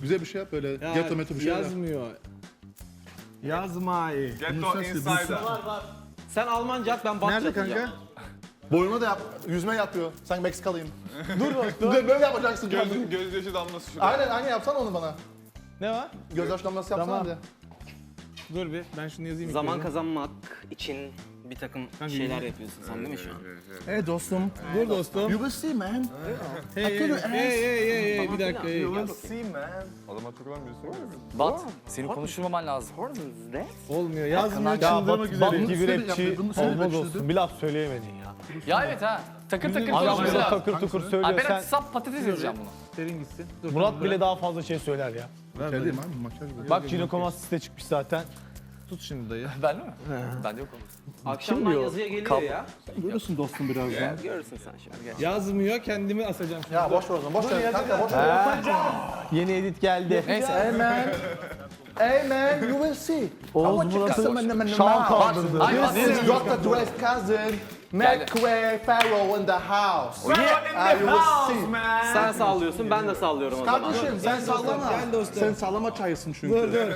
Güzel bir şey yap böyle. Ghetto meto bir şey yap. Yazmıyor. Yazmayı. Ghetto Insider. Sen Almanca at, ben Batça Nerede atacağım. kanka? Boynuna da yap. Yüzme yapıyor. Sanki Meksikalıyım. Dur dostum. Böyle yapacaksın. Gözyaşı damlası şurada. Aynen yapsana onu bana. Ne var? Gözyaş damlası yapsana Tamam. hadi. Dur bir, ben şunu yazayım. Zaman ilk kazanmak için bir takım şeyler yapıyorsun sen değil mi şu an? Hey dostum. Dur dostum. You will see man. Hey bir dakika. Hey. You will see man. Adama takılan birisi var mı? Bat, seni konuşturmaman lazım. Olmuyor, yazmıyor, Ya çıldırmak üzereyim. Bat gibi rapçi Bunu söyle, olmaz ben olsun. çözdüm. Bir laf söyleyemedin ya. Ya evet ha. Takır takır Adam konuşması burada lazım. takır tukur Abi söylüyor. ben Sen, sap patates yazacağım bunu. Serin gitsin. Dur, Murat tamam, bile daha fazla şey söyler ya. ver, Şey değil ver. mi abi? Makyaj böyle. Bak Cinokomas site çıkmış zaten. Tut şimdi dayı. Ben mi? Ben de yok oğlum. Akşamdan yazıya geliyor ya. Görürsün dostum birazdan. Görürsün sen şimdi. Gel. Yazmıyor, kendimi asacağım şimdi. Ya boş ver o zaman. Boş ver. Kanka boş ver. Yeni edit geldi. Neyse. Hey man, you will see. Oğuz Murat'ın şan Bak, kaldırdı. ay, bak. This is Dr. Dre's cousin, McQuay Farrow in the house. You will see. Sen sallıyorsun, ben de sallıyorum o zaman. Kardeşim sen sallama. Gel dostum. Sen sallama çayısın çünkü. Dur dur.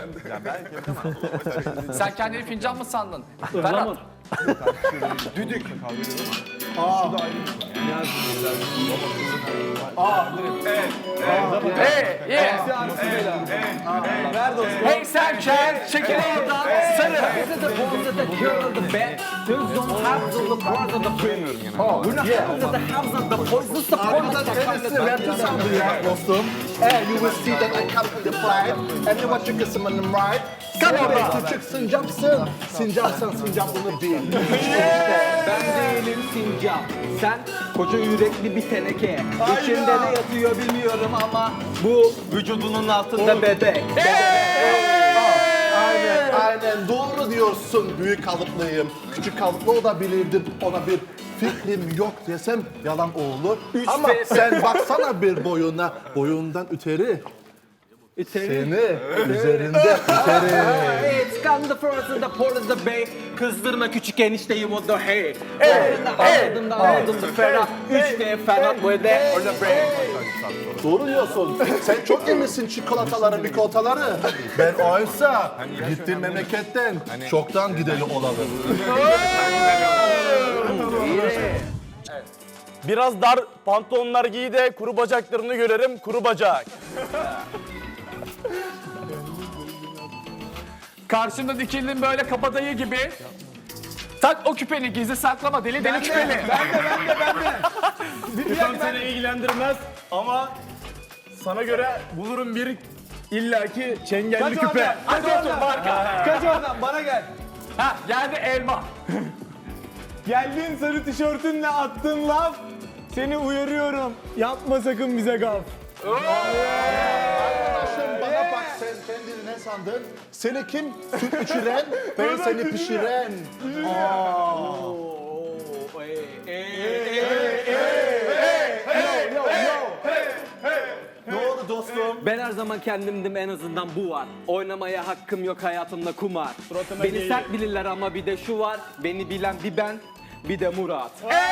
Sen kendini fincan mı sandın? Ferhat. Hey, yeah. Ver dostum. Hey sen kel, çekil oradan. Sarı. Arkadaşlar kendisi rapçi sandı ya dostum. You will see that I come to the flight. And you watch you some on the right. Come on küçük sincapsın. Sincapsın sincapını bil. Ben değilim sincap. Sen koca yürekli bir teneke. İçinde ne yatıyor bilmiyorum ama bu vücudunun altında bebek. Aynen doğru diyorsun. Büyük kalıplıyım. Küçük kalıplı olabilirdim. Ona bir fikrim yok desem yalan olur. Ama sen baksana bir boyuna. Boyundan üteri. Seni üzerinde üteri. It's come the first and the port of the bay. Kızdırma küçük enişteyi o da hey. Aldım da ferah. 3D Ferhat bu de orada bre. Doğru diyorsun. Sen çok yemişsin çikolataları, mikolataları. Ben oysa gittim memleketten çoktan gideli olalım. Biraz dar pantolonlar giy de kuru bacaklarını görelim kuru bacak. Karşımda dikildin böyle kabadayı gibi. Tak o küpeni, gizli saklama, deli deli küpeni. Tam seni ilgilendirmez ama sana göre bulurum bir illaki çengelli küpe. Hadi otur marka. Kaç oradan, bana gel. Ha geldi elma. Geldin sarı tişörtünle attın laf. Seni uyarıyorum. Yapma sakın bize gaf. Arkadaşım bana bak sen kendini ne sandın? Seni kim süt içiren, ben seni pişiren. Doğru dostum. Ben her zaman kendimdim, en azından bu var. Oynamaya hakkım yok hayatımda kumar. Beni değil. sert bilirler ama bir de şu var. Beni bilen bir ben, bir de Murat.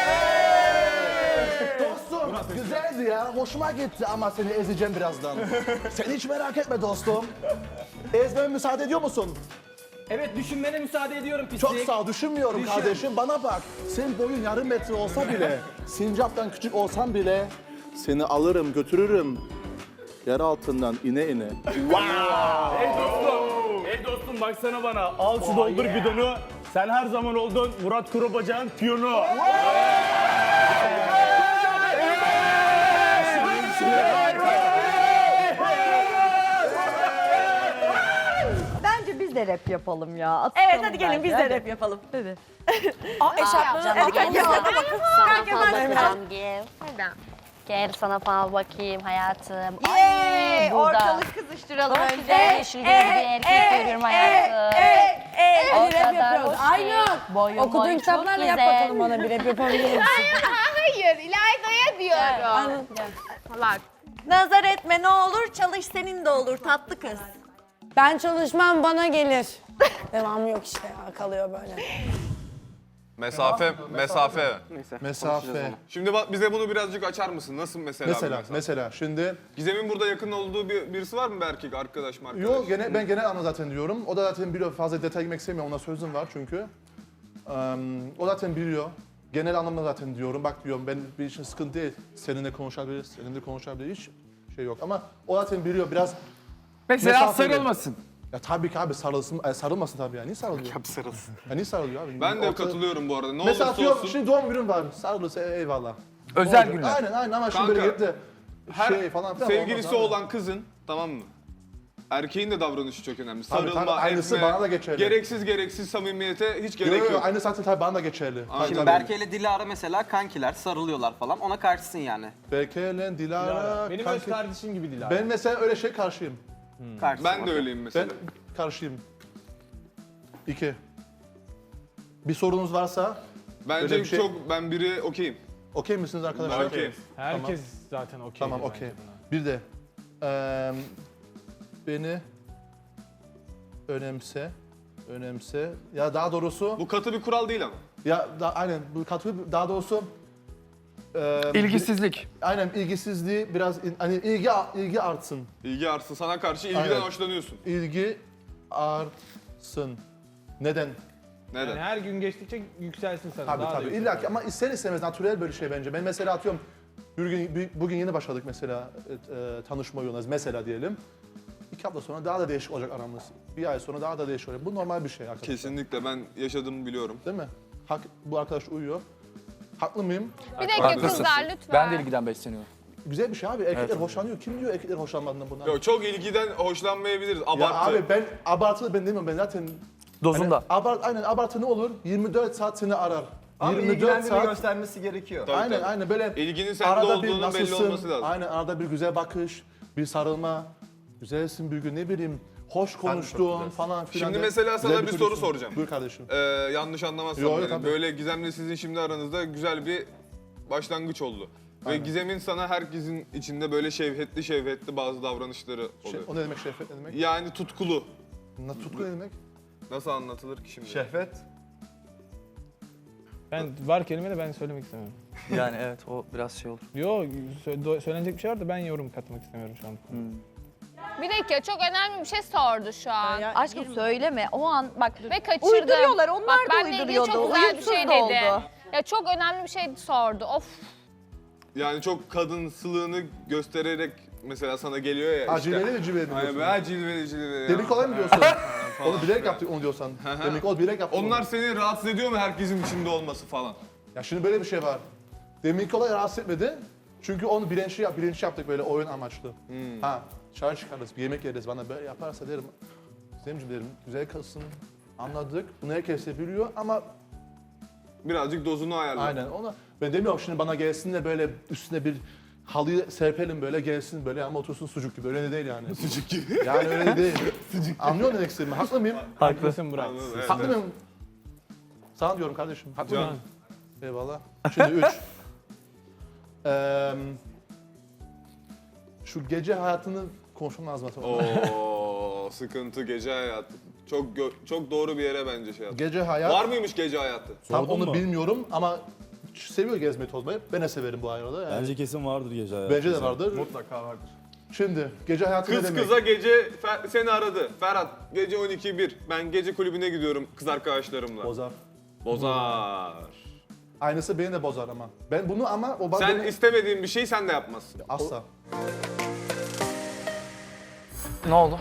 Dostum güzeldi ya, hoşuma gitti ama seni ezeceğim birazdan. Sen hiç merak etme dostum. Ezmeme müsaade ediyor musun? Evet, düşünmene müsaade ediyorum pislik. Çok sağ ol, düşünmüyorum kardeşim. Bana bak, senin boyun yarım metre olsa bile, sincaptan küçük olsan bile seni alırım, götürürüm. Yer altından ine ine. Ey dostum baksana bana. Al şu doldur bidonu. Sen her zaman oldun Murat Kurubacak'ın piyonu. Bence biz de rap yapalım ya. Evet hadi gelin biz de rap yapalım. Hadi. Eşarpları hadi gel gel hadi bakın. Sana Gel fal gel bakacağım gel. Gel sana fal bakayım hayatım. Yey, burada. ortalık kızıştıralım Çok önce. güzel yeşil gözlü bir erkek görüyorum hayatım. O Hadi rap kadar yapıyoruz. hoş Aynı. ki. Boyun Okuduğun boyun kitaplarla çok yap güzel. bakalım bana bir rap yapabilir misin? Hayır, İlayda'ya diyorum. Aynen. Bak. Nazar etme ne olur, çalış senin de olur tatlı kız. Ben çalışmam bana gelir. Devamı yok işte ya kalıyor böyle. Mesafe. Mesafe. Şimdi bak bize bunu birazcık açar mısın? Nasıl mesela? bir mesafe? Mesela şimdi Gizem'in burada yakın olduğu birisi var mı bir erkek arkadaş mı arkadaş? yok ben genel anlamda zaten diyorum. O da zaten biliyor. Fazla detay girmek istemiyorum. Ona sözüm var çünkü. O zaten biliyor. Genel anlamda zaten diyorum. Bak diyorum ben bir için sıkıntı değil. Seninle konuşabiliriz. Seninle konuşabiliriz. Hiç şey yok ama o zaten biliyor biraz. Mesela Mesafeli. sarılmasın. Ya tabii ki abi sarılmasın tabii ya. Niye sarılıyor? Abi sarılsın. Ya niye sarılıyor abi? Ben de Ortada- katılıyorum bu arada. Ne Mesela olursa atıyorum olsun. şimdi doğum günüm var. Sarılırsa eyvallah. Özel Olacak. günler. Aynen ama şimdi Kanka, böyle gelip de Her şey falan filan sevgilisi olmaz abi. olan kızın, tamam mı? Erkeğin de davranışı çok önemli. Tabii, Sarılma, aynısı etme, bana da geçerli. gereksiz samimiyete hiç gerek Yok, yok. aynı zaten tabii bana da geçerli. Aynen. Tabii. Berke ile Dilara mesela kankiler, sarılıyorlar falan. Ona karşısın yani. Berke'yle Dilara, Benim kanki- öz kardeşim gibi Dilara. Ben mesela öyle şey karşıyım. Karşısın. Ben de öyleyim Ben mesela. karşıyım. 2. Bir sorunuz varsa Bence öyle bir şey- ben biri okeyim. okey misiniz arkadaşlar? Ben okeyim. Herkes zaten okey. Tamam bence okey. buna. Bir de beni önemse. Ya daha doğrusu Bu katı bir kural değil ama. aynen bu katı daha doğrusu İlgisizlik. aynen ilgisizliği biraz hani ilgi artsın. İlgi artsın. Sana karşı ilgiden Aynen. hoşlanıyorsun. İlgi artsın. Neden? Neden? Yani her gün geçtikçe yükselsin sana. Tabii daha da tabii. yükselsin. İlla ki ama ister istemez natürel böyle şey bence. Ben mesela atıyorum bugün yeni başladık mesela tanışma yoluna mesela diyelim. 2 hafta sonra daha da değişik olacak aramız. Bir ay sonra daha da değişik olacak. Bu normal bir şey arkadaşlar. Kesinlikle ben yaşadığımı biliyorum. Değil mi? Bu arkadaş uyuyor. Haklı mıyım? Bir dakika kızlar lütfen. Ben de ilgiden besleniyorum. Güzel bir şey abi. Erkekler hoşlanıyor. Kim diyor erkekler hoşlanmadığından bundan? Yok çok ilgiden hoşlanmayabiliriz. Ya Abartı. abi ben abartılı ben demiyorum. Ben zaten Dozunda. aynen abartı ne olur? 24 saat seni arar. Ama 24 ilgilendiğini saat. göstermesi gerekiyor. Tabii, Aynen tabii. aynen böyle İlginin sende arada bir olduğunun belli nasılsın? olması lazım. Aynen arada bir güzel bakış, bir sarılma. Güzelsin bir gün ne bileyim hoş konuştuğun falan filan. Şimdi de mesela sana güzel bir soru çocuksun. soracağım. Buyur kardeşim. Yanlış anlamazsam. Yo, yo, yani. tabii. Böyle Gizem'le sizin şimdi aranızda güzel bir başlangıç oldu. Ve Gizem'in sana herkesin içinde böyle şevhetli bazı davranışları oluyor. O ne demek şehvet ne demek? Yani tutkulu. Tutku ne demek? Nasıl anlatılır ki şimdi? Şehvet. Ben var kelime de ben söylemek istemiyorum. Yani evet o biraz şey olur. Yo söylenecek bir şey var da ben yorum katmak istemiyorum şu an. Bir dakika çok önemli bir şey sordu şu an. Aşkım söyleme. O an bak Ve kaçırdım. uyduruyorlar. Onlar Bak, da benle ilgili uyduruyordu. çok güzel bir Uyumsuz şey da dedi. oldu. Ya çok önemli bir şey sordu. Of. Yani çok kadınsılığını göstererek mesela sana geliyor ya işte. Acileli mi cilveli mi Aynen diyorsun? ben cilveli. Demin kolay mı diyorsun? Onu bilerek yaptık onu diyorsan. Demek o bilerek yaptık. Onlar onu. seni rahatsız ediyor mu herkesin içinde olması falan? Ya şimdi böyle bir şey var. Demin kolay rahatsız etmedi. Çünkü onu bilinçli yaptık böyle oyun amaçlı. Ha, çay çıkarız, bir yemek yeriz. Bana böyle yaparsa derim. Zemcim derim, güzel kızsın. Anladık. Bunu herkes de biliyor ama Birazcık dozunu ayarla. aynen ona. Ben demiyorum şimdi bana gelsin de böyle üstüne bir halıyı serpelim böyle gelsin böyle ama otursun sucuk gibi. Öyle de değil yani. Sucuk gibi. Yani öyle de değil. Sucuk. Anlıyor musun istediğimi? Haklı mıyım? Haklısın Burak. Evet, Haklı evet. mıyım? Sana diyorum kardeşim. Haklı Can. mıyım? Eyvallah. Şimdi 3. Şu gece hayatını konuşmam lazım aslında. Oo sıkıntı gece hayatı. Çok doğru bir yere bence şey yaptı. Gece hayat. Var mıymış gece hayatı? Tam onu bilmiyorum ama seviyor gezmeyi tozmayı. Ben de severim bu arada. Yani. Bence kesin vardır gece hayatı. Bence de vardır. Mutlaka vardır. Şimdi gece hayatı ne Kız demek? kıza gece seni aradı. Ferhat gece 12:01. Ben gece kulübüne gidiyorum kız arkadaşlarımla. Bozar. Bozar. Aynısı beni de bozar ama. Ben bunu ama o Sen beni istemediğin bir şeyi sen de yapmazsın. asla. Ne oldu?